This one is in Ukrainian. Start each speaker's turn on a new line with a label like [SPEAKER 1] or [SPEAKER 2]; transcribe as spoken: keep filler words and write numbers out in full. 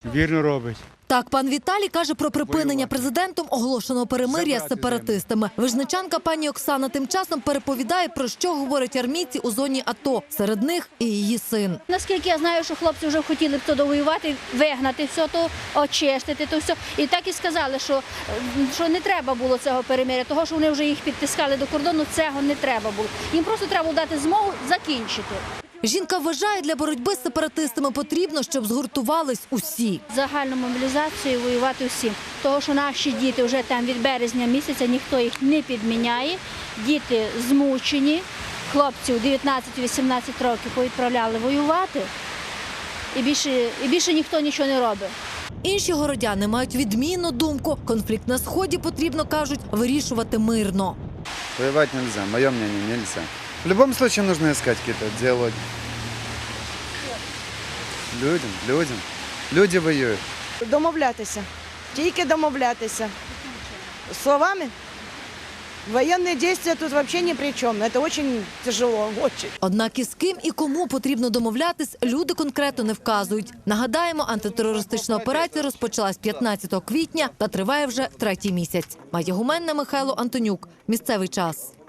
[SPEAKER 1] Вірно робить.
[SPEAKER 2] Так, пан Віталій каже про припинення президентом оголошеного перемир'я з сепаратистами. Вижничанка пані Оксана тим часом переповідає, про що говорять армійці у зоні АТО. Серед них і її син.
[SPEAKER 3] Наскільки я знаю, що хлопці вже хотіли б то довоювати, вигнати все то, очистити то все. І так і сказали, що, що не треба було цього перемир'я, того, що вони вже їх підтискали до кордону, цього не треба було. Їм просто треба було дати змогу закінчити.
[SPEAKER 2] Жінка вважає, для боротьби з сепаратистами потрібно, щоб згуртувались усі.
[SPEAKER 3] Загальну мобілізацію воювати всім. Того, що наші діти вже там від березня місяця, ніхто їх не підміняє. Діти змучені, хлопців дев'ятнадцять-вісімнадцять років повідправляли воювати. І більше, і більше ніхто нічого не робить.
[SPEAKER 2] Інші городяни мають відмінну думку. Конфлікт на Сході потрібно, кажуть, вирішувати мирно.
[SPEAKER 4] Воевать нельзя, мое мнение, нельзя. В любом случае нужно искать какие-то диалоги. Людям, людям. Люди воюють.
[SPEAKER 5] Домовлятися. Тільки домовлятися. Словами? Воєнні дії тут взагалі ні при чому. Це дуже тяжело, дуже.
[SPEAKER 2] Однак із ким і кому потрібно домовлятись, люди конкретно не вказують. Нагадаємо, антитерористична операція розпочалась п'ятнадцятого квітня та триває вже третій місяць. Майя Гуменна, Михайло Антонюк. Місцевий час.